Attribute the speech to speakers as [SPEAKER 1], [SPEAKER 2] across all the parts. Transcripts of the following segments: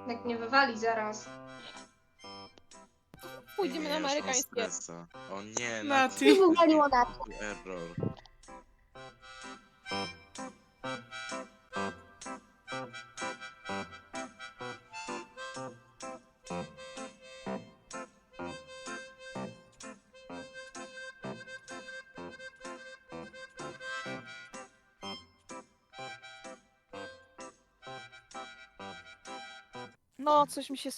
[SPEAKER 1] Jak mnie wywali zaraz.
[SPEAKER 2] Pójdziemy na amerykańskie.
[SPEAKER 3] O nie,
[SPEAKER 4] Nati.
[SPEAKER 5] I wywaliło na to.
[SPEAKER 3] Error.
[SPEAKER 2] No, coś mi się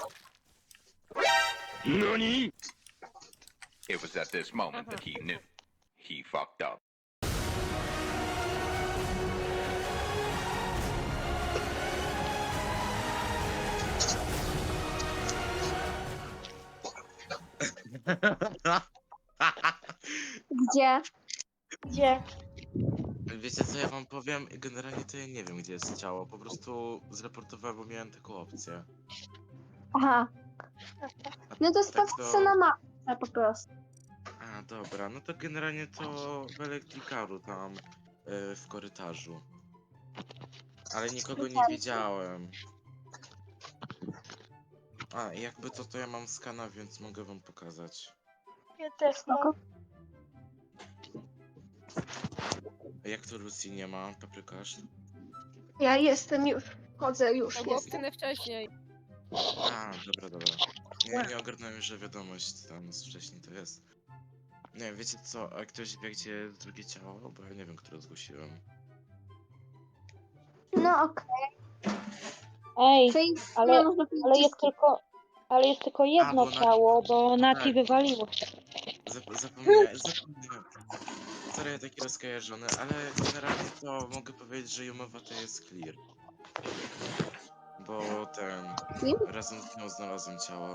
[SPEAKER 6] NANI?! It was at this moment that he knew. He fucked up.
[SPEAKER 5] Gdzie? Gdzie?
[SPEAKER 3] Wiecie co ja wam powiem? Generalnie to ja nie wiem gdzie jest ciało. Po prostu zreportowałem, bo miałem taką opcję.
[SPEAKER 5] Aha. No to sprawdź
[SPEAKER 3] to-
[SPEAKER 5] co na mapce po prostu.
[SPEAKER 3] A dobra, no to generalnie to w elektrikaru tam w korytarzu. Ale nikogo nie widziałem. A, jakby to ja mam skana, więc mogę wam pokazać.
[SPEAKER 5] Ja też
[SPEAKER 1] Spoko.
[SPEAKER 3] A jak to Lucy nie ma, paprykarz?
[SPEAKER 1] Ja jestem już. Chodzę już.
[SPEAKER 2] To było
[SPEAKER 1] Jestem.
[SPEAKER 2] wtedy wcześniej.
[SPEAKER 3] A, dobra. Nie ogarnąłem, że wiadomość tam z wcześniej to jest. Nie, wiecie co, a ktoś wie gdzie jest drugie ciało? Bo ja nie wiem, które zgłosiłem.
[SPEAKER 5] No okej.
[SPEAKER 7] Ej,
[SPEAKER 5] Czyli
[SPEAKER 7] ale-
[SPEAKER 5] nie można powiedzieć,
[SPEAKER 7] ale jest tylko jedno
[SPEAKER 3] bo na-
[SPEAKER 7] ciało, bo Nati
[SPEAKER 3] tak.
[SPEAKER 7] wywaliło.
[SPEAKER 3] Zapomniałem. Sorry, ja taki rozkojarzony, ale generalnie to mogę powiedzieć, że Jumowa to jest clear. Bo razem z nią znalazłem ciało.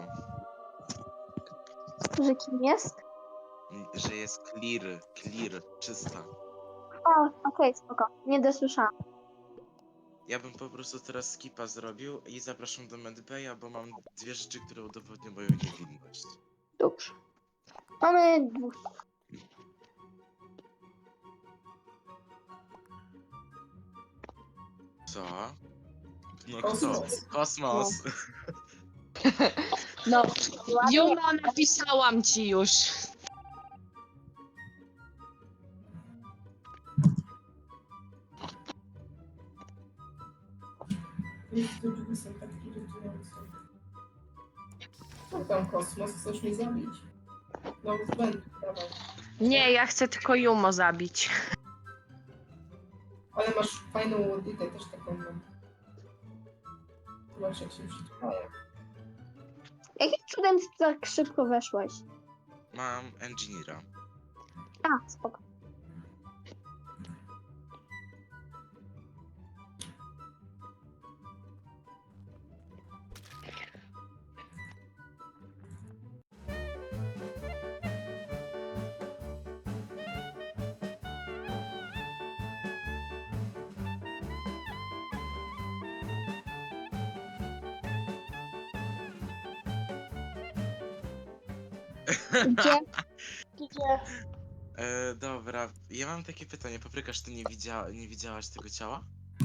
[SPEAKER 5] że kim jest?
[SPEAKER 3] Że jest clear, czysta.
[SPEAKER 5] O, okej, spoko. Nie dosłyszałam.
[SPEAKER 3] Ja bym po prostu teraz skipa zrobił i zapraszam do medbaya, bo mam dwie rzeczy, które udowodnią moją niewinność.
[SPEAKER 5] Dobrze. Mamy dwóch.
[SPEAKER 3] Co? No
[SPEAKER 4] Kosmos.
[SPEAKER 3] Kosmos.
[SPEAKER 5] No.
[SPEAKER 8] Jumo, napisałam ci już.
[SPEAKER 4] Te drzwi są tak irytujące. Co tam, Kosmos? Chcesz mnie zabić? No, będę, dawaj.
[SPEAKER 8] Nie, ja chcę tylko Jumo zabić.
[SPEAKER 4] Ale masz fajną łodytę, też taką mam. Zobacz, jak się przytulają.
[SPEAKER 5] Jakim cudem ty tak szybko weszłeś?
[SPEAKER 3] Mam engineera.
[SPEAKER 5] A, spoko. Gdzie? Gdzie?
[SPEAKER 3] Dobra, ja mam takie pytanie. Paprykarz, ty nie widziałaś tego ciała?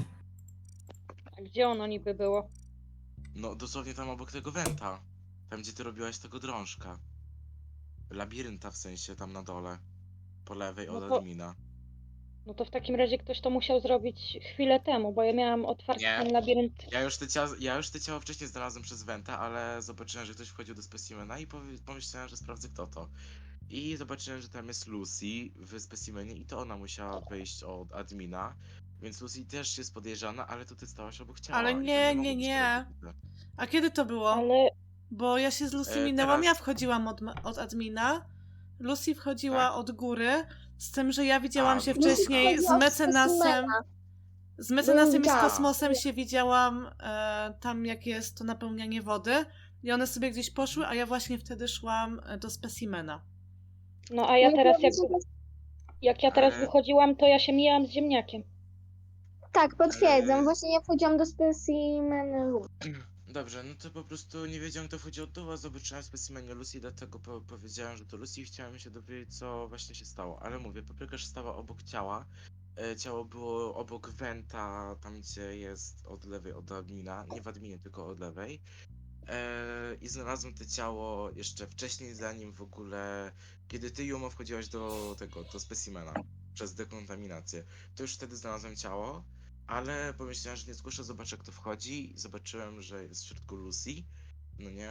[SPEAKER 7] A gdzie ono niby było?
[SPEAKER 3] No, dosłownie tam obok tego wenta. Tam, gdzie ty robiłaś tego drążka. Labirynta w sensie, tam na dole. Po lewej od
[SPEAKER 7] No to-
[SPEAKER 3] admina.
[SPEAKER 7] No to w takim razie ktoś to musiał zrobić chwilę temu, bo ja miałam otwarty
[SPEAKER 3] Nie.
[SPEAKER 7] ten labirynt.
[SPEAKER 3] Ja już te ciało wcześniej znalazłem przez wenta, ale zobaczyłem, że ktoś wchodził do specimena i pomyślałem, że sprawdzę kto to. I zobaczyłem, że tam jest Lucy w specimenie i to ona musiała wejść od admina. Więc Lucy też jest podejrzana, ale to ty stałaś obok ciała.
[SPEAKER 4] Ale
[SPEAKER 3] i to
[SPEAKER 4] nie,
[SPEAKER 3] mogło
[SPEAKER 4] nie,
[SPEAKER 3] być
[SPEAKER 4] nie.
[SPEAKER 3] prawdziwe.
[SPEAKER 4] A kiedy to było?
[SPEAKER 7] Ale
[SPEAKER 4] Bo ja się z Lucy
[SPEAKER 3] E,
[SPEAKER 4] minęłam,
[SPEAKER 3] teraz-
[SPEAKER 4] ja wchodziłam od admina. Lucy wchodziła
[SPEAKER 3] Tak.
[SPEAKER 4] od góry, z tym, że ja widziałam
[SPEAKER 3] A,
[SPEAKER 4] się
[SPEAKER 3] Lucy
[SPEAKER 4] wcześniej z
[SPEAKER 5] wchodziła od
[SPEAKER 4] mecenasem.
[SPEAKER 5] specimena.
[SPEAKER 4] Z mecenasem i z
[SPEAKER 5] Tak.
[SPEAKER 4] kosmosem się widziałam tam, jak jest to napełnianie wody. I one sobie gdzieś poszły, a ja właśnie wtedy szłam do specimena.
[SPEAKER 7] no a ja
[SPEAKER 5] No,
[SPEAKER 7] teraz
[SPEAKER 5] powiedz,
[SPEAKER 7] jak ja teraz
[SPEAKER 3] Ale-
[SPEAKER 7] wychodziłam, to ja się mijałam z ziemniakiem.
[SPEAKER 5] Tak, potwierdzam.
[SPEAKER 3] Eee.
[SPEAKER 5] Właśnie ja wchodziłam do specimen room.
[SPEAKER 3] Dobrze, no to po prostu nie wiedziałem, kto wchodzi od dołu, a zobaczyłem specimenie Lucy, dlatego powiedziałem, że to Lucy i chciałem się dowiedzieć, co właśnie się stało. Ale mówię, paprykarz stała obok ciała. Ciało było obok Wenta, tam gdzie jest od lewej od admina. Nie w adminie, tylko od lewej. I znalazłem to ciało jeszcze wcześniej, zanim w ogóle, kiedy ty, Jumo, wchodziłaś do specimena przez dekontaminację, to już wtedy znalazłem ciało, ale pomyślałem, że nie zgłoszę, zobaczę, kto wchodzi i zobaczyłem, że jest w środku Lucy, no nie?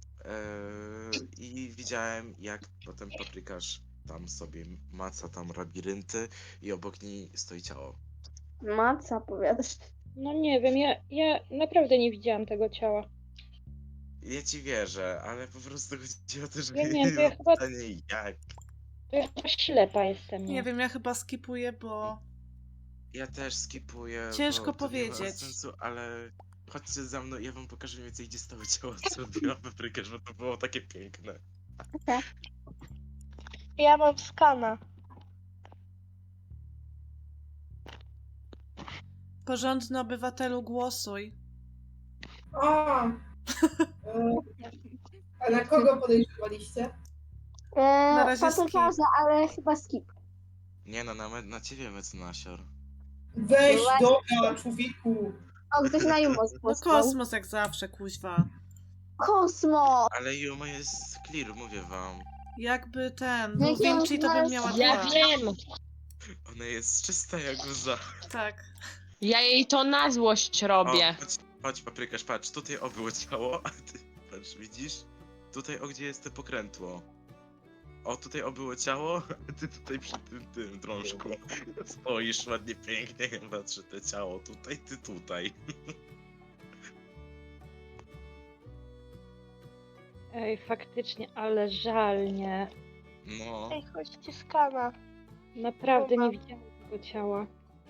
[SPEAKER 3] I widziałem, jak potem paprykarz tam sobie maca tam labirynty i obok niej stoi ciało.
[SPEAKER 5] Maca, powiadasz.
[SPEAKER 7] No nie wiem, ja naprawdę nie widziałam tego ciała.
[SPEAKER 3] Ja ci wierzę, ale po prostu chodzi o to, że
[SPEAKER 7] Ja nie wiem, to ja
[SPEAKER 3] mam
[SPEAKER 7] chyba-
[SPEAKER 3] pytanie, jak?
[SPEAKER 7] To ja chyba ślepa jestem,
[SPEAKER 4] Nie wiem, ja chyba skipuję, bo
[SPEAKER 3] Ja też skipuję.
[SPEAKER 4] Ciężko
[SPEAKER 3] bo to nie ma
[SPEAKER 4] powiedzieć.
[SPEAKER 3] sensu, ale chodźcie za mną, ja wam pokażę mniej więcej, gdzie stało ciało, co robiła paprykarz, bo to było takie piękne.
[SPEAKER 1] Ja mam skana.
[SPEAKER 4] porządny obywatelu, głosuj.
[SPEAKER 9] A, a na kogo podejrzewaliście?
[SPEAKER 4] Na razie
[SPEAKER 5] Paprykarza, ale chyba skip.
[SPEAKER 3] Nie no, na ciebie mecenasior.
[SPEAKER 9] Weź,
[SPEAKER 5] Właśnie.
[SPEAKER 9] dobra, człowieku.
[SPEAKER 5] O, ktoś na Jumo
[SPEAKER 4] No
[SPEAKER 5] zgłosował.
[SPEAKER 4] kosmos jak zawsze, kuźwa.
[SPEAKER 5] Kosmo!
[SPEAKER 3] Ale Yuma jest clear, mówię wam.
[SPEAKER 4] Jakby ten,
[SPEAKER 5] No
[SPEAKER 4] był
[SPEAKER 5] i chciałam
[SPEAKER 4] Vinci, to bym
[SPEAKER 5] znaleźć-
[SPEAKER 4] miała
[SPEAKER 8] Ja
[SPEAKER 4] dwa.
[SPEAKER 8] wiem!
[SPEAKER 3] Ona jest czysta jak łza.
[SPEAKER 4] Tak.
[SPEAKER 8] Ja jej to na złość robię.
[SPEAKER 3] Chodź paprykarz, patrz, tutaj było ciało, a ty, patrz, widzisz? Tutaj gdzie jest to pokrętło. O, tutaj było ciało, a ty tutaj przy tym drążku stoisz ładnie, pięknie, patrzę te ciało, tutaj, ty tutaj.
[SPEAKER 7] Ej, faktycznie, ale żal, nie.
[SPEAKER 3] No.
[SPEAKER 1] Ej, chodźcie skana.
[SPEAKER 7] Naprawdę nie
[SPEAKER 1] Dobra.
[SPEAKER 7] widziałam tego ciała.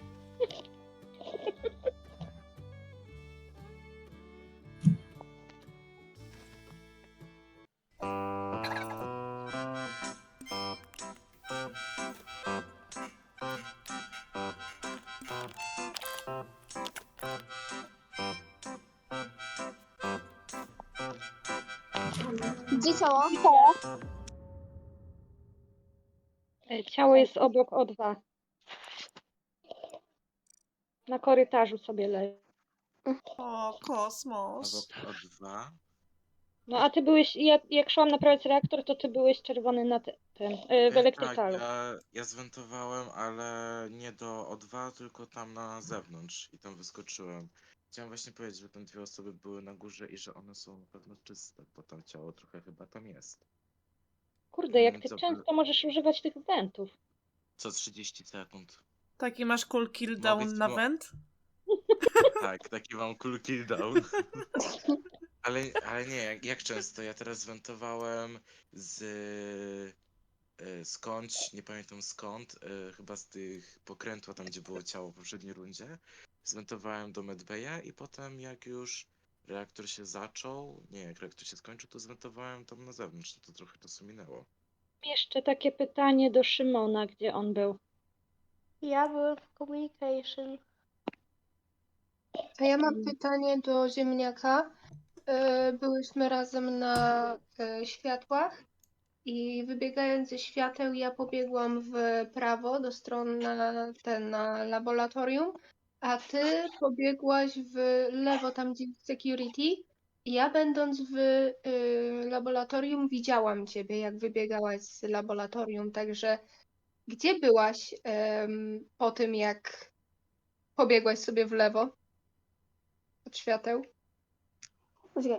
[SPEAKER 5] Gdzie ciało?
[SPEAKER 7] Ciało jest obok O2. Na korytarzu sobie leży.
[SPEAKER 4] O, kosmos.
[SPEAKER 3] O dwa.
[SPEAKER 7] No a ty byłeś, jak szłam naprawiać reaktor, to ty byłeś czerwony na w elektrykalu.
[SPEAKER 3] Tak, ja zwentowałem, ale nie do O2, tylko tam na zewnątrz i tam wyskoczyłem. Chciałem właśnie powiedzieć, że tam dwie osoby były na górze i że one są na pewno czyste, bo tam ciało trochę chyba tam jest.
[SPEAKER 7] Kurde, jak ty
[SPEAKER 3] Co-
[SPEAKER 7] często możesz używać tych wentów.
[SPEAKER 3] Co 30 sekund.
[SPEAKER 4] Taki masz cool kill down
[SPEAKER 3] być
[SPEAKER 4] na
[SPEAKER 3] mo-
[SPEAKER 4] went?
[SPEAKER 3] Tak, taki mam cool kill down. Ale nie, jak często? Ja teraz zwentowałem skądś, nie pamiętam skąd, chyba z tych pokrętła, tam gdzie było ciało w poprzedniej rundzie. Zwentowałem do Medbaya i potem jak już reaktor się zaczął, nie, jak reaktor się skończył, to zwentowałem tam na zewnątrz, to trochę czasu minęło.
[SPEAKER 7] Jeszcze takie pytanie do Szymona, gdzie on był.
[SPEAKER 1] Ja byłem w communication. A ja mam pytanie do ziemniaka. Byłyśmy razem na światłach i wybiegając ze świateł ja pobiegłam w prawo do strony na laboratorium, a ty pobiegłaś w lewo tam gdzie jest security. I ja będąc w laboratorium widziałam ciebie jak wybiegałaś z laboratorium, także gdzie byłaś po tym jak pobiegłaś sobie w lewo od świateł?
[SPEAKER 5] Poczekaj.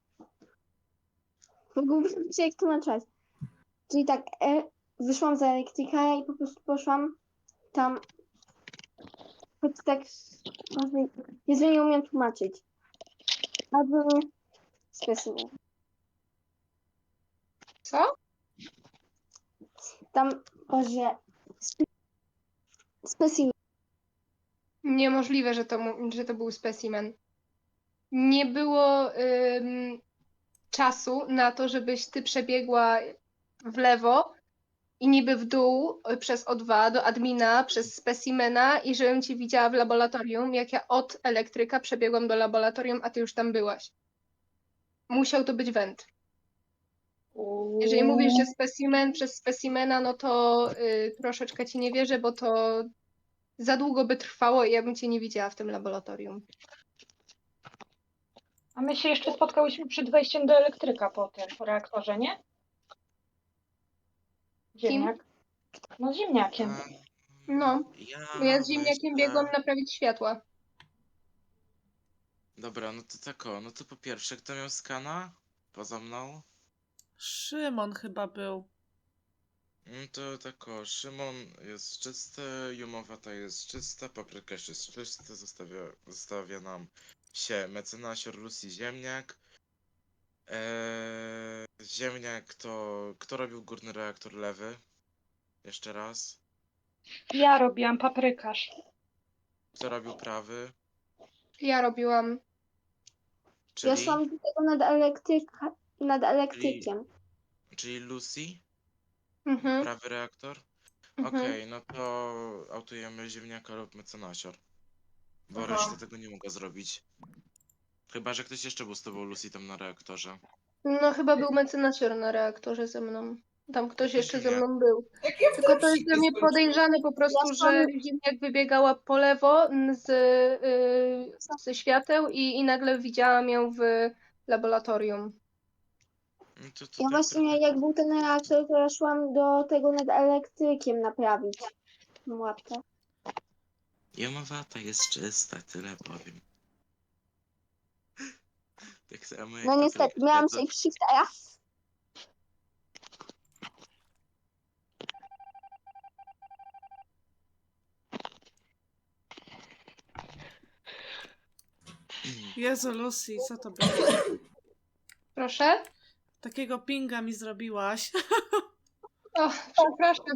[SPEAKER 5] Mógłbym się jak tłumaczyć. Czyli tak, wyszłam za elektryka i po prostu poszłam tam. Choć tak, jeżeli nie umiem tłumaczyć. A był specimen.
[SPEAKER 1] Co?
[SPEAKER 5] Tam, Boże, specimen.
[SPEAKER 1] Niemożliwe, że to był specimen. Nie było czasu na to, żebyś ty przebiegła w lewo i niby w dół przez O2 do admina, przez specimena i żebym cię widziała w laboratorium, jak ja od elektryka przebiegłam do laboratorium, a ty już tam byłaś. musiał to być węd. Jeżeli mówisz, że specimen przez specimena, no to troszeczkę ci nie wierzę, bo to za długo by trwało i ja bym cię nie widziała w tym laboratorium.
[SPEAKER 7] A my się jeszcze spotkałyśmy przed wejściem do elektryka po tym, po reaktorze, nie? Ziemniak. No ziemniakiem.
[SPEAKER 1] No, ja z ziemniakiem
[SPEAKER 3] myślę...
[SPEAKER 1] biegłam naprawić światła.
[SPEAKER 3] Dobra, no to tak o, no to po pierwsze, kto miał skana? Poza mną?
[SPEAKER 4] Szymon chyba był.
[SPEAKER 3] To tak o, Szymon jest czysty, Jumowata jest czysta, Papryka jest czysta, zostawia nam się mecenasior, Lucy, ziemniak. Ziemniak to... Kto robił górny reaktor lewy? Jeszcze raz.
[SPEAKER 7] Ja robiłam paprykarz.
[SPEAKER 3] Kto robił prawy?
[SPEAKER 1] Ja robiłam.
[SPEAKER 5] Ja
[SPEAKER 3] Czyli,
[SPEAKER 5] szłam do tego nad elektrykiem.
[SPEAKER 3] czyli Lucy?
[SPEAKER 1] Mhm.
[SPEAKER 3] Prawy reaktor?
[SPEAKER 1] Mhm.
[SPEAKER 3] Okej, no to autujemy ziemniaka lub mecenasior. Bo
[SPEAKER 9] Aha.
[SPEAKER 3] reszta tego nie mogła zrobić. Chyba, że ktoś jeszcze był z tobą, Lucy, tam na reaktorze.
[SPEAKER 1] No chyba był mecenasior na reaktorze ze mną. Tam ktoś jeszcze ze
[SPEAKER 3] Nie.
[SPEAKER 1] mną był.
[SPEAKER 9] Jak ja w
[SPEAKER 1] Tylko to jest
[SPEAKER 9] dropshipie
[SPEAKER 1] dla mnie
[SPEAKER 9] skończyłem.
[SPEAKER 1] podejrzane po prostu,
[SPEAKER 5] Ja
[SPEAKER 1] że ziemniak wybiegała po lewo ze świateł i nagle widziałam ją w laboratorium.
[SPEAKER 3] No to
[SPEAKER 5] Ja
[SPEAKER 3] tak
[SPEAKER 5] właśnie, jak był ten reaktor, to ja szłam do tego nad elektrykiem naprawić tą łapkę.
[SPEAKER 3] Jumowata jest czysta, tyle powiem. Tak samo jak
[SPEAKER 5] No niestety,
[SPEAKER 3] Papryka,
[SPEAKER 5] miałam
[SPEAKER 3] to-
[SPEAKER 5] safe shiftera.
[SPEAKER 4] Jezu, Lucy, co to było?
[SPEAKER 1] Proszę?
[SPEAKER 4] Takiego pinga mi zrobiłaś.
[SPEAKER 1] O, przepraszam.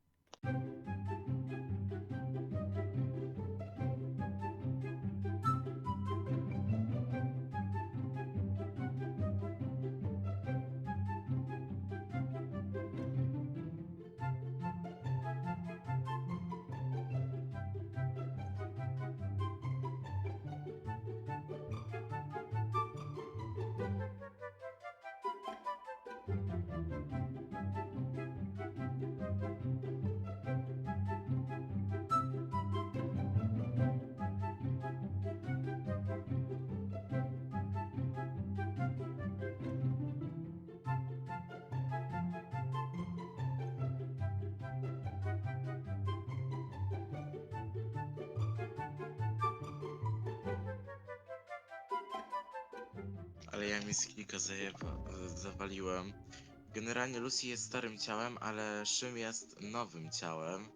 [SPEAKER 3] Ale ja mi z kilka zawaliłem. Generalnie Lucy jest starym ciałem, ale Szym jest nowym ciałem.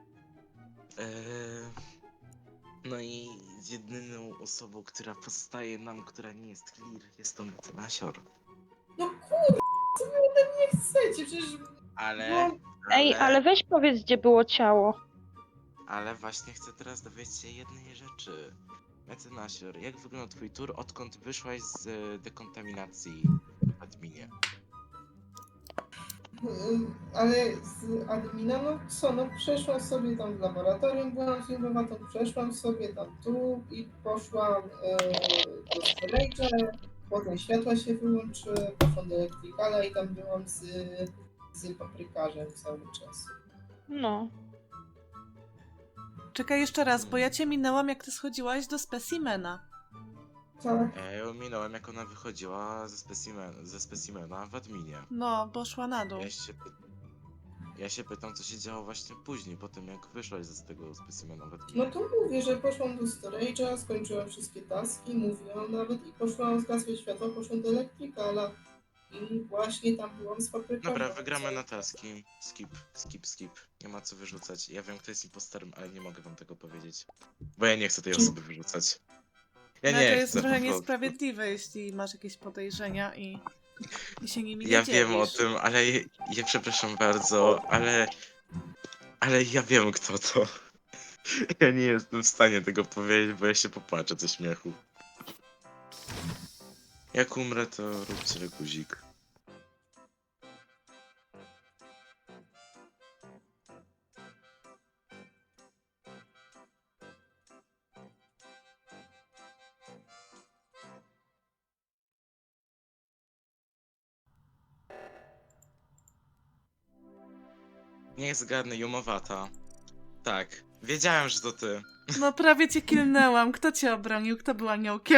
[SPEAKER 3] No i jedyną osobą, która pozostaje nam, która nie jest clear, jest to mecenasior.
[SPEAKER 9] No kurde, co wy ode mnie chcecie? Przecież
[SPEAKER 3] Ale...
[SPEAKER 7] Ej, ale weź powiedz, gdzie było ciało.
[SPEAKER 3] Ale właśnie chcę teraz dowiedzieć się jednej rzeczy. Mecenasior, jak wygląda twój tur, odkąd wyszłaś z dekontaminacji w adminie?
[SPEAKER 9] Ale z admina, no co, no przeszłam sobie tam w laboratorium, byłam z Jumowatą, przeszłam sobie tam tu i poszłam do storage'a, potem światła się wyłączyły, poszłam do elektrykala i tam byłam z paprykarzem cały czas.
[SPEAKER 7] No.
[SPEAKER 4] Czekaj jeszcze raz, bo ja cię minęłam, jak ty schodziłaś do specimena.
[SPEAKER 9] Tak.
[SPEAKER 3] Ja ją minąłem, jak ona wychodziła ze specimena w adminie.
[SPEAKER 4] No, bo szła na dół.
[SPEAKER 3] Ja się pytam, co się działo właśnie później, po tym jak wyszłaś z tego specimena w
[SPEAKER 9] No
[SPEAKER 3] adminie.
[SPEAKER 9] to mówię, że poszłam do storage'a, skończyłam wszystkie taski, mówiłam nawet i poszłam, zgasły światło, poszłam do elektrykala. I właśnie tam byłam z papryką.
[SPEAKER 3] Dobra, wygramy na taski. Skip. Nie ma co wyrzucać. Ja wiem, kto jest impostorem, ale nie mogę wam tego powiedzieć. Bo ja nie chcę tej osoby wyrzucać. Ja
[SPEAKER 4] No,
[SPEAKER 3] nie
[SPEAKER 4] to
[SPEAKER 3] chcę
[SPEAKER 4] jest trochę
[SPEAKER 3] po prostu.
[SPEAKER 4] niesprawiedliwe, jeśli masz jakieś podejrzenia i się nimi nie
[SPEAKER 3] Ja
[SPEAKER 4] dzielisz.
[SPEAKER 3] wiem o tym, ale ja przepraszam bardzo, ale ja wiem kto to. Ja nie jestem w stanie tego powiedzieć, bo ja się popłaczę ze śmiechu. Jak umrę, to róbcie guzik. Niech zgadnę, Jumowata. Tak, wiedziałem, że to ty.
[SPEAKER 4] No prawie cię kilnęłam. Kto cię obronił? Kto był aniołkiem?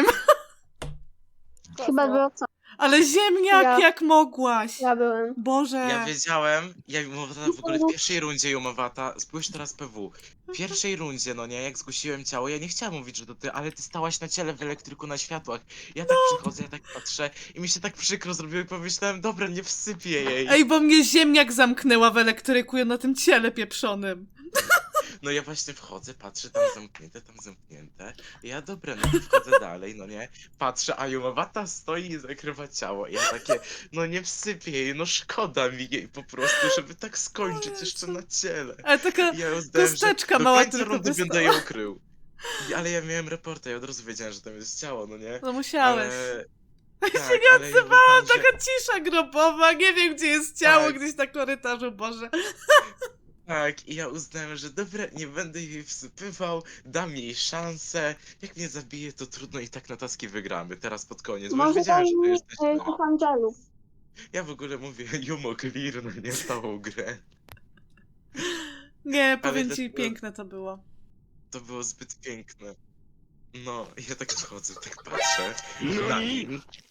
[SPEAKER 5] Chyba było co?
[SPEAKER 4] Ale ziemniak,
[SPEAKER 5] Ja.
[SPEAKER 4] jak mogłaś?
[SPEAKER 5] Ja byłem.
[SPEAKER 4] Boże.
[SPEAKER 3] Ja wiedziałem, Jumowata w ogóle w pierwszej rundzie Jumowata, spójrz teraz PW. W pierwszej rundzie, no nie, jak zgłosiłem ciało, ja nie chciałem mówić, że to ty, ale ty stałaś na ciele w elektryku na światłach. Ja tak przychodzę, ja tak patrzę i mi się tak przykro zrobiło i pomyślałem, dobra, nie wsypię jej.
[SPEAKER 4] Ej, bo mnie ziemniak zamknęła w elektryku na tym ciele pieprzonym.
[SPEAKER 3] No ja właśnie wchodzę, patrzę, tam zamknięte. I ja dobra, no to wchodzę dalej, no nie. Patrzę, a Jumowata stoi i zakrywa ciało. I ja takie, no nie wsypię jej, no szkoda mi jej po prostu, żeby tak skończyć jeszcze na ciele.
[SPEAKER 4] Ale taka
[SPEAKER 3] I ja uznałem,
[SPEAKER 4] kosteczka
[SPEAKER 3] że do
[SPEAKER 4] mała
[SPEAKER 3] końca
[SPEAKER 4] tylko
[SPEAKER 3] rundy
[SPEAKER 4] wystała.
[SPEAKER 3] będę ją krył. Ale ja miałem reporta i od razu wiedziałem, że tam jest ciało, no nie?
[SPEAKER 4] No musiałeś.
[SPEAKER 3] Ale...
[SPEAKER 4] Ja
[SPEAKER 3] Tak,
[SPEAKER 4] się nie
[SPEAKER 3] ale ja
[SPEAKER 4] odzywałam,
[SPEAKER 3] uznałem, że-
[SPEAKER 4] taka cisza grobowa, nie wiem gdzie jest ciało,
[SPEAKER 3] Tak.
[SPEAKER 4] gdzieś na korytarzu, Boże.
[SPEAKER 3] Tak, i ja uznałem, że dobra, nie będę jej wsypywał, dam jej szansę. Jak mnie zabije, to trudno i tak na taski wygramy, teraz pod koniec, bo już
[SPEAKER 5] Może
[SPEAKER 3] wiedziałem,
[SPEAKER 5] daj
[SPEAKER 3] że to
[SPEAKER 5] mi
[SPEAKER 3] jesteś ty.
[SPEAKER 5] tych angelów.
[SPEAKER 3] Ja w ogóle mówię Jumo Clear, no nie całą grę.
[SPEAKER 4] Nie, powiem ci,
[SPEAKER 3] dlatego-
[SPEAKER 4] piękne to było.
[SPEAKER 3] To było zbyt piękne. No, ja tak wchodzę, tak patrzę.